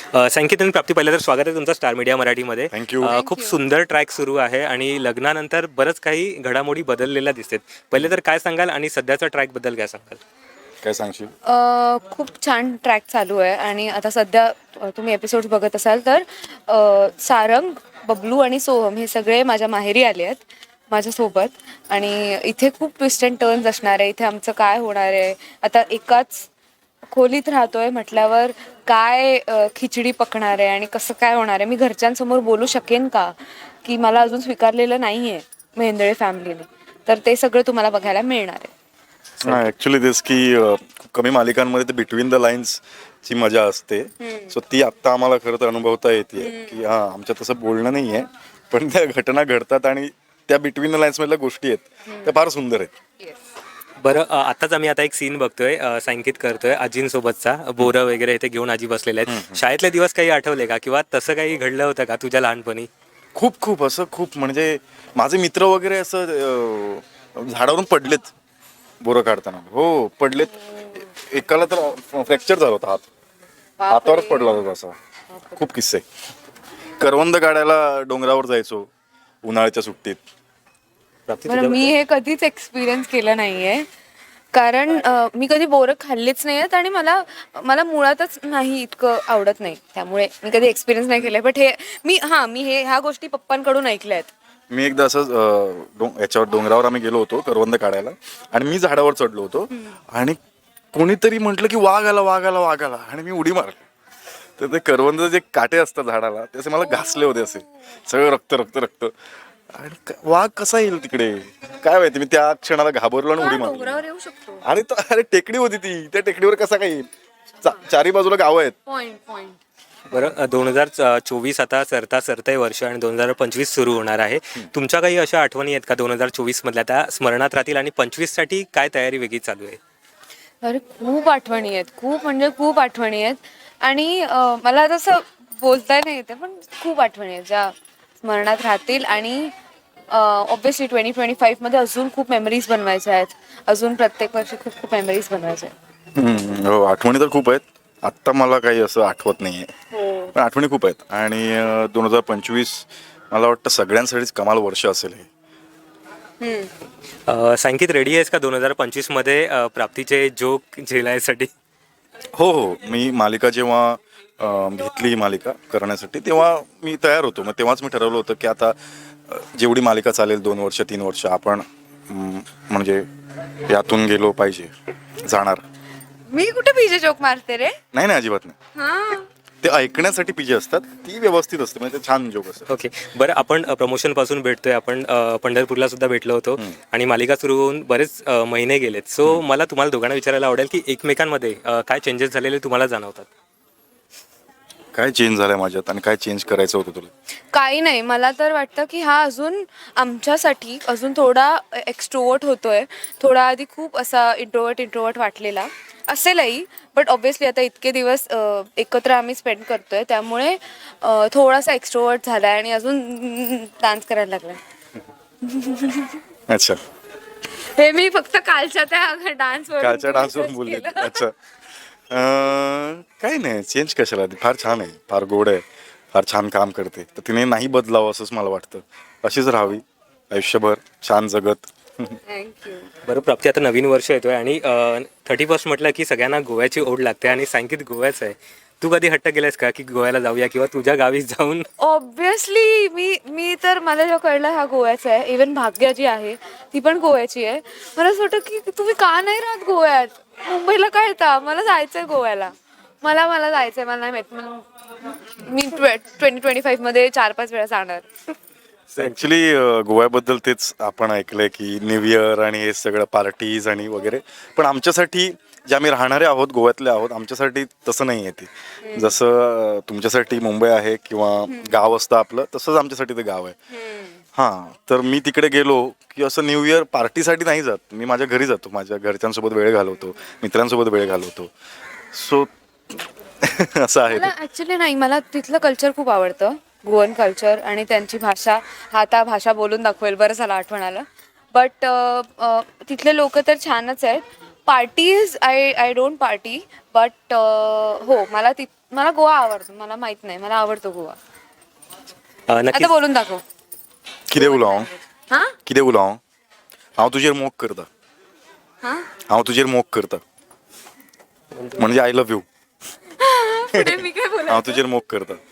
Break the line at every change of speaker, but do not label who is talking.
संकेत आणि प्राप्ती, पहिलं तर स्वागत आहे तुमचं स्टार मीडिया मराठीमध्ये.
थँक्यू.
खूप सुंदर ट्रॅक सुरू आहे आणि लग्नानंतर बरंच काही घडामोडी बदललेल्या दिसतात. पहिले तर काय सांगाल आणि सध्याचा ट्रॅकबद्दल काय सांगाल?
काय सांगशील?
खूप छान ट्रॅक चालू आहे आणि आता सध्या तुम्ही एपिसोड्स बघत असाल तर सारंग, बबलू आणि सोहम हे सगळे माझ्या माहेरी आले आहेत माझ्यासोबत. आणि इथे खूप ट्विस्ट अँड टर्न्स असणार आहे. इथे आमचं काय होणार आहे, आता एकाच खोलीत राहतोय म्हटल्यावर काय खिचडी पकणार आहे आणि कसं काय होणार आहे. मी घरच्यांसमोर बोलू शकेन का की मला अजून स्वीकारलेलं नाही आहे मेहेंदळे फॅमिलीने, तर ते सगळं तुम्हाला बघायला मिळणार आहे.
नाही, ऍक्च्युली दिस की खूप कमी मालिकांमध्ये ते बिटवीन द लाईन्स ची मजा असते. सो ती आत्ता आम्हाला खरं तर अनुभवता येते की आमच्या तसं बोलणं नाही आहे, पण त्या घटना घडतात आणि त्या बिटवीन द लाईन्स मधल्या गोष्टी आहेत त्या फार सुंदर आहेत.
बरं, आताच आम्ही आता एक सीन बघतोय, संकेत करतोय आजींसोबतचा. बोरं वगैरे इथे घेऊन आजी बसलेले आहेत. शाळेतले दिवस काही आठवले का, किंवा तसं काही घडलं होतं का तुझ्या लहानपणी?
खूप असं खूप म्हणजे माझे मित्र वगैरे असं झाडावरून पडलेत बोरं काढताना. हो, पडलेत. एकाला तर फ्रॅक्चर झाला होता, हातावरच पडला होता असा. खूप किस्से. करवंद काढायला डोंगरावर जायचो उन्हाळ्याच्या सुट्टीत.
प्राप्ती,
बरं, मी हे कधीच एक्सपिरियन्स केलं नाहीये, कारण मी कधी बोरं खाल्लीच नाही आहेत आणि मला मुळातच नाही इतकं आवडत नाही, त्यामुळे मी कधी एक्सपिरियन्स नाही केलंय. बट हे मी ह्या गोष्टी पप्पांकडून ऐकल्या आहेत.
मी एकदा असंच याच्यावर डोंगरावर आम्ही गेलो होतो करवंद काढायला आणि मी झाडावर चढलो होतो आणि कोणीतरी म्हटलं की वाघ आला आणि मी उडी मारली. तर ते करवंद जे काटे असतात झाडाला ते असे मला घासले होते, असे सगळं रक्त. आणि वाघ कसा येईल तिकडे काय माहिती. मी त्या क्षणाला घाबरलो आणि उडी मारली.
डोंगरावर येऊ शकतो.
अरे टेकडी होती ती, त्या टेकडीवर कसा काय येईल? चारी बाजूला गावं आहेत.
पॉइंट.
बरं, 2024 आता सरतंय वर्ष आणि 2025 सुरू होणार आहे. तुमच्या काही अशा आठवणी आहेत का 2024 मधल्या, त्या स्मरणात राहतील? आणि 25 साठी काय तयारी वेगळी चालू आहे?
अरे खूप आठवणी आहेत, खूप आठवणी आहेत. आणि मला तसं बोलता नाही येते, पण खूप आठवणी आहेत ज्या स्मरणात राहतील. आणि ऑब्व्हियसली 2025 मध्ये अजून खूप मेमरीज बनवायच्या आहेत. अजून प्रत्येक वर्षी खूप मेमरीज बनवायच्या आहेत.
हो, आठवणी तर खूप आहेत. आत्ता मला काही असं आठवत नाहीये, पण आठवणी खूप आहेत. आणि 2025 मला वाटतं सगळ्यांसाठीच कमाल वर्ष असेल हे.
संकेत, रेडी आहेस का 2025 मध्ये प्राप्तीचे जोक झेलायसाठी?
हो, मी मालिका जेव्हा घेतली मालिका करण्यासाठी तेव्हा मी तयार होतो. मग तेव्हाच मी ठरवलं होतं की आता जेवढी मालिका चालेल 2 वर्ष 3 वर्ष आपण म्हणजे यातून गेलो पाहिजे, जाणार.
मी कुठे पीजे जोक मारते रे?
नाही, अजिबात नाही. ते ऐकण्यासाठी पीजे असतात, ती व्यवस्थित असते, म्हणजे ते छान जोक असतात.
ओके, बरं, आपण प्रमोशन पासून भेटतोय. आपण पंढरपूरला सुद्धा भेटलो होतो आणि मालिका सुरू होऊन बरेच महिने गेलेत. सो मला तुम्हाला दोघांना विचारायला आवडेल की एकमेकांमध्ये काय चेंजेस झालेले तुम्हाला जाणवतात?
काय चेंज झालंय माझ्यात आणि काय चेंज करायचं होतं तुला?
काही नाही, मला तर वाटतं की हा अजून आमच्यासाठी अजून थोडा एक्स्ट्रोवर्ट होतोय. थोडा आधी खूप असा इंट्रोवर्ट वाटलेला असेलही, बट ऑब्व्हियसली आता इतके दिवस एकत्र आम्ही स्पेंड करतोय, त्यामुळे थोडासा एक्स्ट्रोवर्ट झालाय आणि अजून डान्स करायला लागलाय.
अच्छा,
हे मी फक्त कालच्या डान्सवरून
बोलले. अच्छा, काही नाही, चेंज कशाला, फार छान आहे, फार गोड आहे, फार छान काम करते. तर तिने नाही बदलावं असंच मला वाटतं. अशीच राहावी आयुष्यभर छान जगत.
थँक्यू.
बरं प्राप्ती, आता नवीन वर्ष येतोय आणि 31 म्हटलं की सगळ्यांना गोव्याची ओढ लागते आणि संकेत गोव्याचं आहे. तू कधी हट्ट केलायस का की गोव्याला जाऊया किंवा तुझ्या गावी जाऊन?
ऑब्व्हियसली मी तर मला जेव्हा कळलं हा गोव्याचा आहे, इवन भाग्या जी आहे ती पण गोव्याची आहे. मला असं वाटतं की तुम्ही का नाही राहत गोव्यात, मुंबईला काय येता? मला जायचंय गोव्याला, मला जायचंय. मला नाही माहित, मी 2025 मध्ये 4-5 वेळा जाणार.
ऍक्च्युली गोव्याबद्दल तेच आपण ऐकलंय की न्यू इयर आणि हे सगळं पार्टीज आणि वगैरे, पण आमच्यासाठी जे आम्ही राहणारे आहोत, गोव्यातले आहोत, आमच्यासाठी तसं नाही आहे ते. जसं तुमच्यासाठी मुंबई आहे किंवा गाव असतं आपलं, तसंच आमच्यासाठी ते गाव आहे. हां, तर मी तिकडे गेलो की असं न्यू इयर पार्टीसाठी नाही जात, मी माझ्या घरी जातो, माझ्या घरच्यांसोबत वेळ घालवतो, मित्रांसोबत वेळ घालवतो. सो असं आहे.
मला ऍक्च्युली नाही, मला तिथलं कल्चर खूप आवडतं, गोवन कल्चर आणि त्यांची भाषा. आता भाषा बोलून दाखवेल, बरं झालं आठवण आलं. बट तिथले लोक तर छानच आहेत. Parties I don't party, but हो, मला मला गोवा आवडतो, मला माहित नाही, मला आवडतो गोवा. आता
नक्कीच
बोलून दाखव.
कितें उलोवं हांव?
हा
कितें उलोवं हांव? हांव तुजेर मोग करता.
हा
हांव तुजेर मोग करता म्हणजे आय लव्ह यू.
पुढे मी काय बोलू?
हांव तुजेर मोग करता.